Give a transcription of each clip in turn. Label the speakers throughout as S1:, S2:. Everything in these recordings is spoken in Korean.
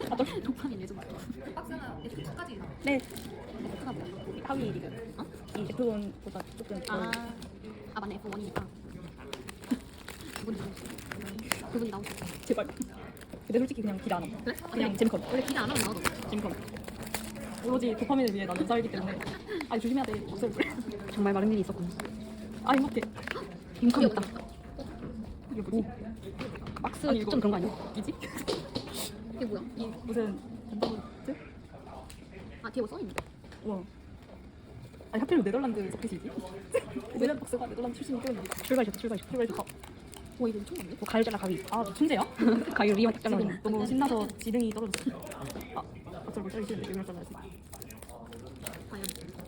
S1: 도파민 예전 말이야. 박스는 F2까지.
S2: 네.
S1: F가 뭐야?
S2: 하위 리그.
S1: 어?
S2: 이 F1보다 조금 덜.
S1: 아 맞네 F1이니까. 그분이 나오고 있어.
S2: 제발. 근데 솔직히 그냥 기대 안 함.
S1: 그래?
S2: 그냥 재미컴.
S1: 원래 기대 안 하면 나와도.
S2: 재미컴. 오로지 도파민을 위해 나는 살기 때문에. 아니 조심해야 돼. 없을 걸.
S3: 정말 많은 일이 있었군.
S2: 아 행복해.
S3: 빈컴했다.
S2: 이게 뭐지?
S3: 박스
S2: 아니,
S3: 특전 그런 거 아니야?
S2: 이지?
S1: 이게 뭐야?
S2: 이 무슨 전다보트?
S1: 아 뒤에 뭐 써있는데?
S2: 우와. 아니 하필 네덜란드 서킷이지? 네덜란드 박스가 네덜란드 출신이 껴있는데.
S3: 출발했다, 출발했다.
S2: 출발 좋다.
S1: 와 이거 엄청 많네.
S3: 뭐 가을 잘라 가위.
S2: 아 천재야?
S3: 가위 리만 딱 잘라.
S2: 지금 너무 신나서 지능이 떨어졌어. 아 어쩔 못 자르기 싫은데 이걸 잘라야지.
S1: 과연.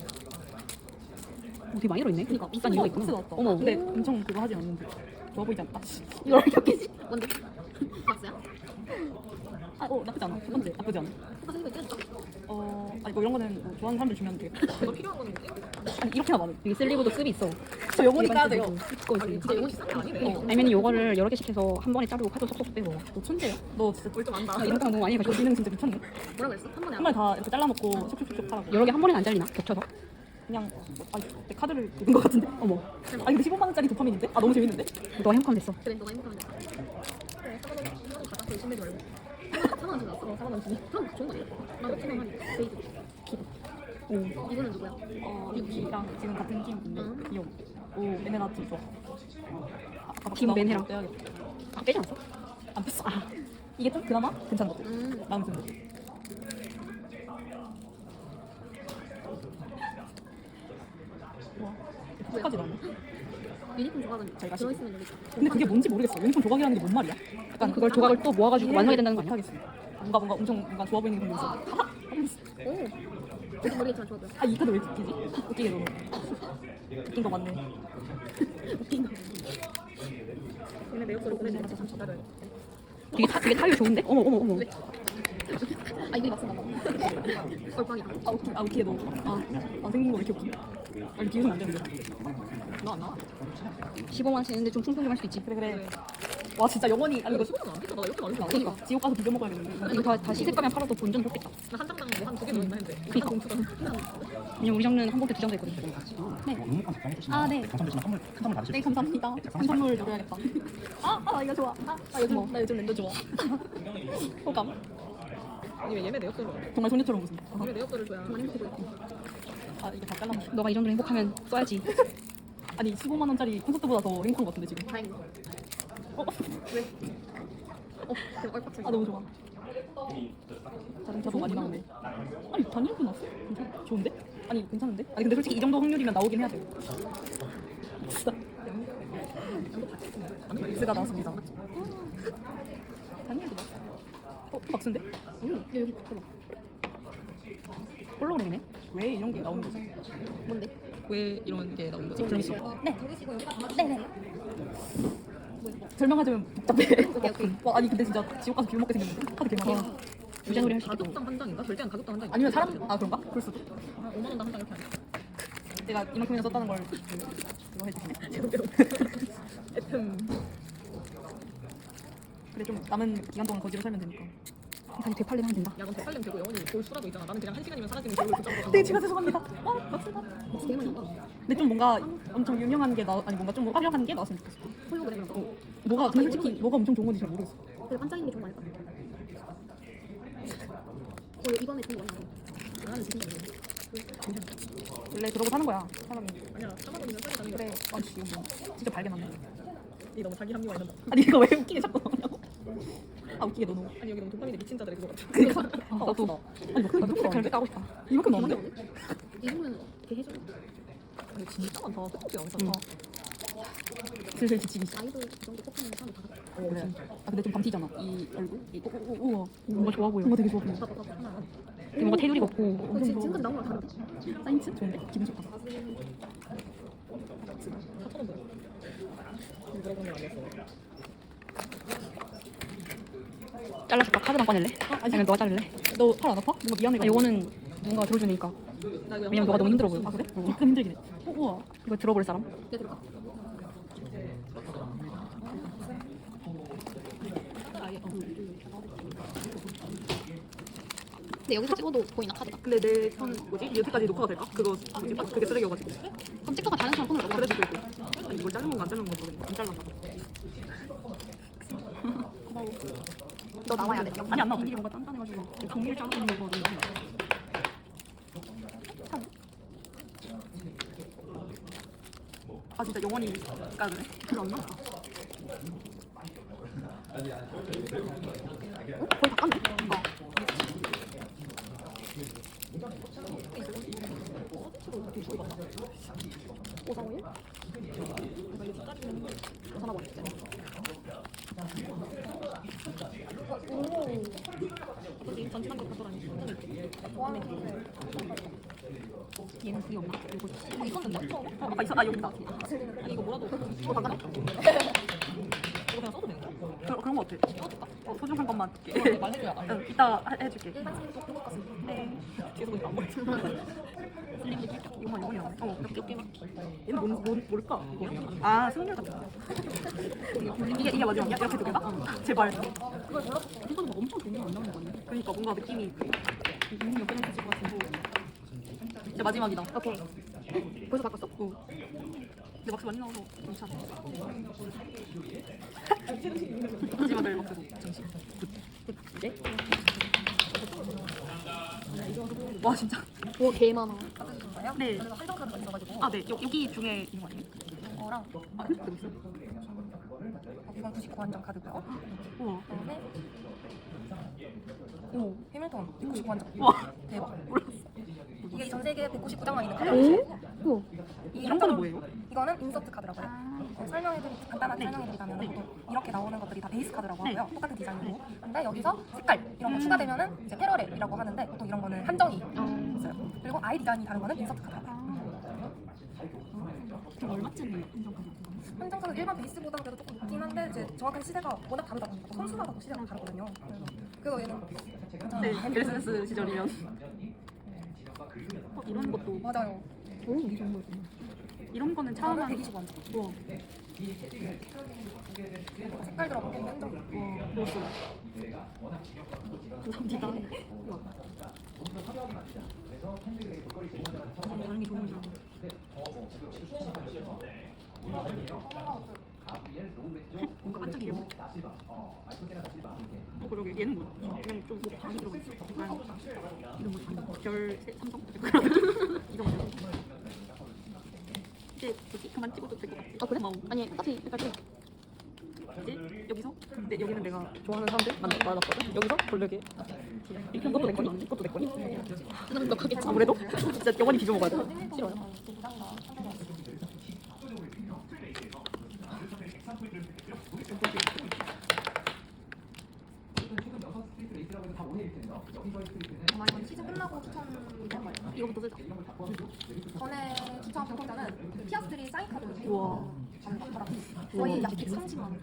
S3: 되게 많이 들어있네.
S1: 그러니까
S3: 비싼
S2: 이거
S3: 이유가
S2: 박스
S3: 있구나.
S2: 나왔다.
S3: 어머.
S2: 근데 엄청 그거 하지 않는데 좋아 보이지 않다.
S1: 이걸 몇 개지? 뭔데? 박스야?
S2: 아어 나쁘지 않아. 첫 번째 나쁘지 않아.
S1: 오빠 생긴 거 떼줄까?
S2: 아니 뭐 이런 거는 뭐 좋아하는 사람들 주면 돼.
S1: 이거 필요한 거는 뭐지?
S2: 아니 이렇게나 많은.
S3: 여기 슬리브도 쓸이 있어.
S2: 저 영원히 까야 돼요.
S3: 이거 있어.
S1: 진짜 이건 싼게 아니네.
S3: 아니면 요거를 여러 개씩 해서 한 번에 자르고 카드 쏙쏙 빼고.
S2: 너 천재야? 너 진짜
S1: 뭘 좀 안다.
S3: 아, 이런 거 너무 많이
S2: 너
S3: 해가지고.
S2: 지능 진짜 미쳤네.
S1: 뭐라 그랬어? 한 번에
S2: 한 번에 다 이렇게 잘라놓고 촉촉촉촉 하라고.
S3: 여러 개 한 번에 안 잘리나? 겹쳐서?
S2: 그냥 아니 내 카드를 긁은 거 같은데.
S3: 어머.
S2: 아니 근데 15만 원짜리 도파민인데? 아 너무 재밌는데?
S3: 너 행복하면 됐어.
S1: 그래 너가 행복하면 돼. 그래 4만 원 가자. 그 신내지 말고. 4만 원 주나? 4만 원 주니? 그럼 좋은 거 아니야? 나 몇천원 하니? 베이드.
S2: 오.
S1: 이거는 누구야?
S2: 미키랑 지금 같은 팀인데 귀여워. 오 에메나트 좋아. 아까
S3: 팀 맨해랑.
S2: 떼야겠다.
S3: 아, 빼지 않았어?
S2: 안 뺐어. 아 이게 좀 그나마 괜찮은 것 같아. 마음 든다. 와 끝까지 나네.
S1: 유니폼 조각은
S2: 잘 가시고.
S1: 들어있으면 여기 있다.
S2: 근데 그게 뭔지 모르겠어. 유니폼 조각이라는 게 뭔 말이야? 약간
S3: 그걸 조각을 또 모아가지고 완성해야 된다는 거 아니야?
S2: 못하겠어. 뭔가 엄청 뭔가 좋아 보이는 그런 거 있어.
S1: 오. 저도 모르겠지만 좋아 보여.
S2: 아 이 카드 왜 이렇게 웃기지? 웃기게 너무. 웃긴 거 맞네.
S1: 웃긴 거. 얘네 내 욕설을 보내주니까 참 전달을.
S3: 되게 타율 좋은데? 어머, 어머, 어머.
S1: 왜? 아 이거 맞어 나. 얼빵이다.
S2: 아 웃기게 너무. 아 생긴 거 왜 이렇게 웃기? 아니 비웃으면 안 되는데.
S1: 너 안 나와?
S3: 15만 원씩 했는데 좀 충성 좀 할 수도 있지.
S2: 그래. 와 진짜 영원히 아니 이거
S1: 15만 원 비싸다. 나 이렇게 많이 나와.
S3: 그러니까.
S2: 지옥 가서 비벼 먹어야겠는데.
S3: 이거 다 시세가면 팔아도 본전 좋겠다.
S1: 나한 장당 뭐한 두 개 넣었나 했는데.
S3: 그니까. 왜냐면 우리 장르는 한 봉투 두 장도 있거든.
S2: 아 네.
S4: 당첨되시면 선물 받으실
S2: 네 감사합니다. 한 선물 노려야겠다. 아 이거 좋아. 나 요즘 랜더 좋아. 호감.
S1: 아니 왜 얘네 내 욕설을
S2: 정말 소녀처럼 웃음.
S1: 얘네 내 욕설을 줘야 정말 행복해 보여.
S2: 아 이게 다 잘랐네.
S3: 너가 이 정도로 행복하면 써야지.
S2: 아니 15만 원짜리 콘서트보다 더 행복한 것 같은데 지금.
S1: 다행이다.
S2: 어?
S1: 왜? 되게 얼빡
S2: 아 너무 좋아. 자동차도 많이 나오네. 아니 단일도 나왔어? 괜찮아? 좋은데? 아니 괜찮은데? 아니 근데 솔직히 이 정도 확률이면 나오긴 해야 돼. 진짜. 박스가 나왔습니다. 단일도 나왔어. 박스인데?
S1: 여기 붙어봐.
S3: 홀로그램이네.
S2: 왜 이런 게 나오는 거지?
S1: 뭔데?
S2: 왜 이런 게 나오는 거지?
S3: 재밌어.
S1: 네네.
S2: 설명하자면 복잡해.
S1: 오케이.
S2: 와, 아니 근데 진짜 지옥 가서 비벼 먹게 생겼는데? 카드 개많아.
S3: 부자놀이 할 수 있겠다.
S1: 가격당 한 장인가? 절대 안 가격당 한 장인가?
S2: 아니면 사람 아 그런가? 그럴 수도.
S1: 5만 원당 한 장 이렇게 하는.
S2: 내가 이만큼이나 썼다는 걸 그거 해주시네. FM. 그래 좀 남은 기간 동안 거지로 살면 되니까.
S3: 다시 되팔림 하면 된다.
S1: 야, 넌 대팔림 되고 영원히 볼 수라도 있잖아. 나는 그냥 한 시간이면 사라지는 겨울 붙잡고.
S2: 네 제가 죄송합니다. 박스다.
S1: 되게 많이 나와.
S2: 근데 좀 뭔가 엄청 유명한 게 아니 뭔가 좀 화려한 게 나왔으면 좋겠어.
S1: 홀로그램 이런 거.
S2: 뭐가 근데 솔직히 뭐가 엄청 좋은 건지 잘 모르겠어.
S1: 그리고 반짝이는 게 좋은 거 아닐까? 이번에 좀 많이 나와. 나는 지금
S2: 원래 그러고 사는 거야 사람이.
S1: 아니야. 4만 원이면 싸게 가는
S2: 그래. 아니 이거 뭐 진짜 발견하네.
S1: 이 너무 자기 합리화 이런다.
S2: 아니 이거 왜 웃기게 자꾸 나오냐고. 아 웃기게 너무.
S1: 아니 여기 너무 도파민에 미친 자들의 그거 같아.
S2: 그니까. 아 나도. 아니 뭐
S3: 나도 그렇게 까고 싶다.
S2: 이만큼 나오는데?
S1: 이거면 개 해줘. 아니 진짜 많다. 떡볶이 안 쌌다.
S2: 슬슬 지치기 시작.
S1: 아이돌 이 정도 뽑히는 사람 다 같아.
S2: 그래. 아 근데 좀 밤티잖아 이 얼굴. 우와.
S3: 뭔가 좋아 보여.
S2: 뭔가 되게 좋아 보여.
S1: 봐봐 하나.
S3: 되게 뭔가 테두리가 없고.
S1: 지금까지 나온 거랑 다른데?
S2: 사인츠 좋은데? 기분 좋다.
S1: 4,000원 뭐야? 물어보면 안 됐어.
S3: 잘라줄까? 카드만 꺼낼래? 아니면 너가 자를래?
S2: 너 팔 안 아파? 뭔가 미안해.
S3: 아, 요거는 누군가 들어주니까. 왜냐면 너가 너무 힘들어 보여.
S2: 아 그래? 약간 힘들긴 해. 우와.
S3: 이거 들어볼 사람?
S1: 내 들어가. 아예 근데 여기서 찍어도 보이나 카드가?
S2: 근데 내 폰 뭐지? 여기까지 녹화가 될까? 그거 뭐지? 그게 쓰레기여가지고.
S1: 그럼 찍다가 다른 사람 폰으로
S2: 그래도
S1: 넘어가.
S2: 되고. 아니 이걸 자른 건가 안 자른 건가 모르겠네. 안 잘랐나 봐.
S1: 너 나와야 돼.
S2: 아니 안 나와. 이게 뭔가 단단해가지고 종이를 자르는 거 너무 많이 나와. 아 진짜 영원히 까네. 별로 안 나와.
S1: 거의 다 깠네. 오사오일? 전화번호 있지?
S2: 어차피 전치한 거 가져라니. 얘는 그게 없나? 이거
S1: 있었는데?
S2: 아까 있어? 아 여기 있다. 아니 이거 뭐라도
S1: 이거 다 가네?
S2: 이거 그냥 써도 되는 거야? 그런 거 같아. 소중한 것만 줄게.
S3: 말해줘야 알아.
S2: 응, 이따 해줄게.
S1: 일반 친구 또 먹었어.
S2: 네. 뒤에서 보니까 안 보여. 슬림도 살짝 이거만 이거만. 몇 개만. 얘는 뭘까? 이거? 아 승률 같은 거. 이게 마지막이야? 이렇게 두 개가? 제발.
S1: 그걸 몰랐어.
S2: 이거 막 엄청 좋은 거안 나오는 거 아니야? 그러니까 뭔가 느낌이 몇 개는 있을 것 같고. 진짜 마지막이다.
S1: 오케이. 벌써 바꿨어?
S2: 어. 근데 막스 많이 나와서 괜찮아. 마지막을 막스도 정신. 이제? 와 진짜.
S1: 오, 개 많아.
S2: 네.
S1: 한정 카드가 있어가지고.
S2: 아 네. 여기 중에 있는 거 아니에요?
S1: 이거랑
S2: 아 근데 여기 있어?
S4: 이건 99한정 카드고요.
S2: 우와.
S4: 그다음에 오 해밀턴 199한정.
S2: 와.
S4: 대박.
S2: 몰랐어.
S4: 이게 전 세계에 199장만 있는 카드.
S1: 오?
S4: 이게
S2: 이런 거는 뭐예요?
S4: 이거는 인서트 카드라고 해요. 간단하게 설명해드리자면 보통 이렇게 나오는 것들이 다 베이스 카드라고
S2: 네.
S4: 하고요. 똑같은 디자인이고. 근데 여기서 색깔 이런 거 추가되면은 이제 패러렐이라고 하는데 보통 이런 거는 한정이 있어요. 그리고 아이 디자인이 다른 거는 인서트 카드라고 해요.
S2: 그럼 얼마쯤이에요? 한정카드?
S4: 한정 카드 일반 베이스보다 그래도 조금 높긴 한데 이제 정확한 시세가 워낙 다르다 보니까 선수마다 또 시세가 다르거든요. 그래서 얘는
S2: 네. 크리스마스 시절이면. 이런 것도
S4: 맞아요.
S1: 오, 이게 정말.
S2: 이런 거는 처음
S4: 저는
S2: 하는
S4: 129한정.
S2: 우와.
S4: 색깔 들어보면 한정.
S2: 우와. 그렇소. 감사합니다. 우와. 다른 게 좋은 줄 뭔가 반짝이려고. 그러게 얘는 뭐 그냥 좀 방이 들어가 있어. 이건 뭐 별 삼성 이런 거. 이제 뭐지 그만 찍어도 될 것 같아.
S1: 아, 그래?
S2: 고마워.
S1: 아니, 똑같이 색깔
S2: 이제 여기서 근데 여기는 내가 좋아하는 사람들 많았거든. 여기서 볼려게 이렇게 것도 내 거니? 이것도 내 거니?
S1: 넉넉하겠지.
S2: 아무래도 진짜 영원히 비벼 먹어야 돼.
S1: 싫어요.
S4: 아마 이건 시즌 끝나고 추천이될 거예요.
S2: 이거부터 쓰자.
S4: 전에 추천 당첨자는 피아스트리 사인 카드
S2: 우와.
S4: 받았더라고요. 거의 약 130만 원.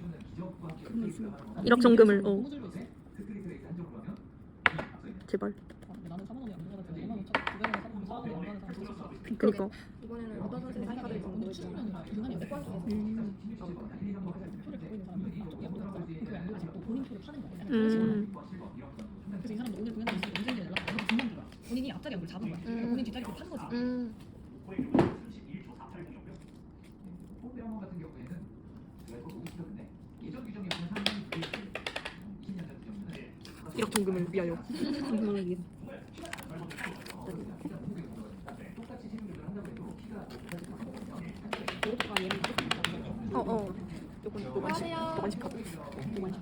S2: 1억 정금을 제발.
S3: 나는 4만 원이 안 들어가지고 5만 원 두 배는 4만 원이 안 가는 사람도 있었어.
S2: 그니까.
S4: 이번에는 어떤 선수의 사인 카드를
S3: 근데
S4: 줬는지
S3: 출연료는 중간이 없어. 표를 갖고 있는 사람이 이쪽이 안 들어가서 그게 안 들어가서 본인 표를 파는 거야. 그런 식으로. 그래서 이 사람도 오늘 공연장 있으니까 언제 연락 이렇게 중간 거야. 본인이 앞자리 안을 잡은 거야. 본인 뒷자리 표를 판 거지.
S2: 1억 정금을 위하여. 정금을 위해. 요건 노만식 카드. 노만식.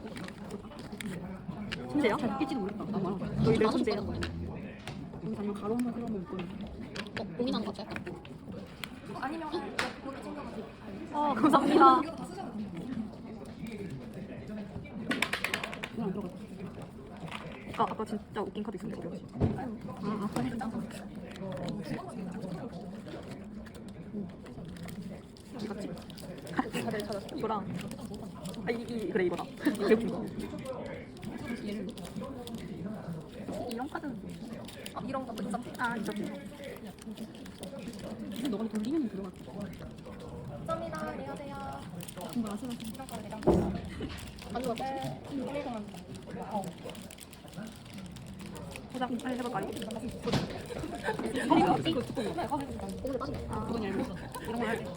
S2: 천재야? 잘 끼지도 모르겠다. 나 말아. 너희 내 천재야. 여기 잠깐 가로 한번 세우면 있거든.
S1: 고민하는 거 같아.
S4: 아니면 여기 챙겨가지고
S2: 감사합니다.
S4: 이것도 다 쓰셔도 돼요.
S2: 이거 안 들어갔다. 아까 진짜 웃긴 카드 있었는데 어디 갔지? 아까 해줬다. 어디 갔지? 카드를 찾았어. 이거랑 그래 이거다. 이게 웃긴 거. 이런 카드는
S4: 이런 것도 인서트.
S2: 인서트. 근데 너가 돌리면 들어갈 거.
S4: 감사합니다. 안녕하세요.
S2: 정말 아쉬워.
S4: 이런 카드 내가
S1: 안 좋았어.
S4: 네. 1,100만 원.
S2: 포장 해볼까요?
S3: 이거 두꺼운 거.
S1: 오늘 빠진다.
S3: 그건 얇은 거.
S2: 이런 걸 할게.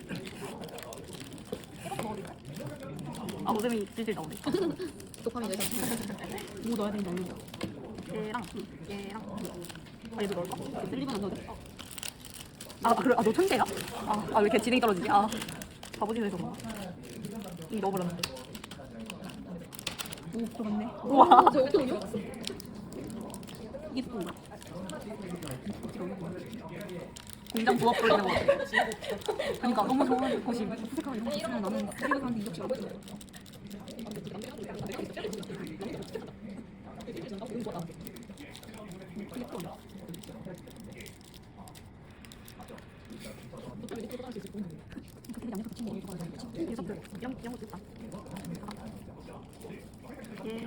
S4: 이렇게 넣어도 돼?
S2: 아 오줌이 질질 나오네.
S1: 도파민 내서.
S3: 뭐 넣어야 되는지 모르겠어.
S2: 얘랑 얘도 넣을까?
S3: 슬립은 안 넣어도 돼.
S2: 그래? 너 천재야? 왜 이렇게 진행이 떨어지지? 바보짓을 해서 그런가? 이미 넣어버렸는데.
S3: 오, 들어갔네.
S2: 우와.
S1: 저 어떻게 올려?
S3: 이게 두꺼운 거야.
S2: 공장 부업 돌리는 거 같아.
S3: 그러니까 너무 좋은 곳이 수색하고 이런 거 있으면 나는 슬립한테 이적지 않고 싶어.
S2: 이런 것도 있다. 얘,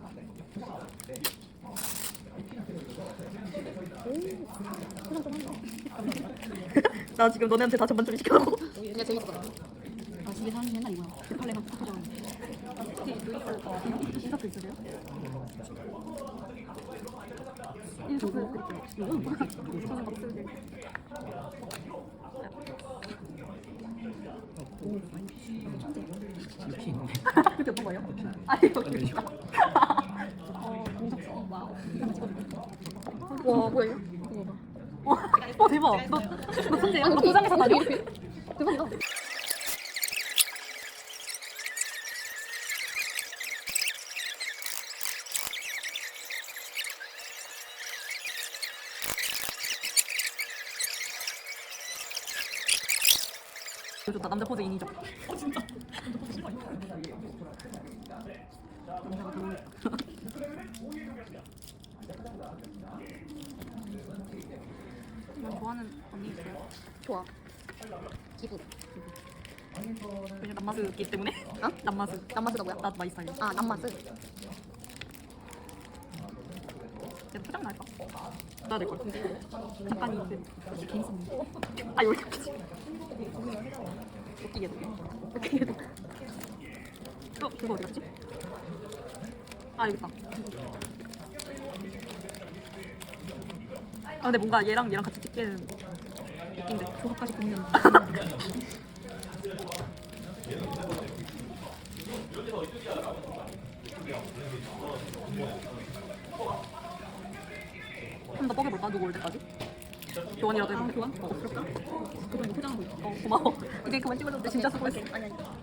S2: 나 지금 너네한테 다 전반 좀 시켜놓고.
S1: 이게 재밌었다.
S3: 아, 집에 사는 게 맨날 이거야. 대팔레만 탁 하자.
S2: 인서트 있으세요?
S3: 인서트 드릴게요. 이건 뭐야?
S2: 저는 막 쓰는데. 그게 어떤 거예요? 여기 있다.
S3: 공석수. 와우. 이거 찍어줄게.
S1: 와 뭐예요?
S2: 대박. 너 천재야? 너 도장에서 다녀?
S1: 대박이다.
S2: 이거 좋다. 남자 포즈 인이죠.
S3: 남자가 당황했다.
S2: 난 좋아하는 언니 있어요.
S1: 좋아. 기분.
S2: 왜냐면 남마스기 때문에.
S1: 어?
S2: 남마스.
S1: 남마스가 뭐야?
S2: 나도 많이 스타일.
S1: 아 남마스.
S2: 얘도 포장 날까? 나야 될 걸.
S3: 약간 그 개인 선물.
S2: 여기까지. 웃기게도. 그거 어디 갔지? 여기 있다. 근데 뭔가 얘랑 같이 찍기는 웃긴데.
S3: 조합까지 보면
S2: 좀 더 뻐겨볼까? 누구 올 때까지? 교환이라도 해볼게.
S3: 교환? 그럴까? 그럼 포장하고 있어.
S2: 고마워. 이제 그만 찍어줬는데 진짜 수고했어.
S1: 아니 아니.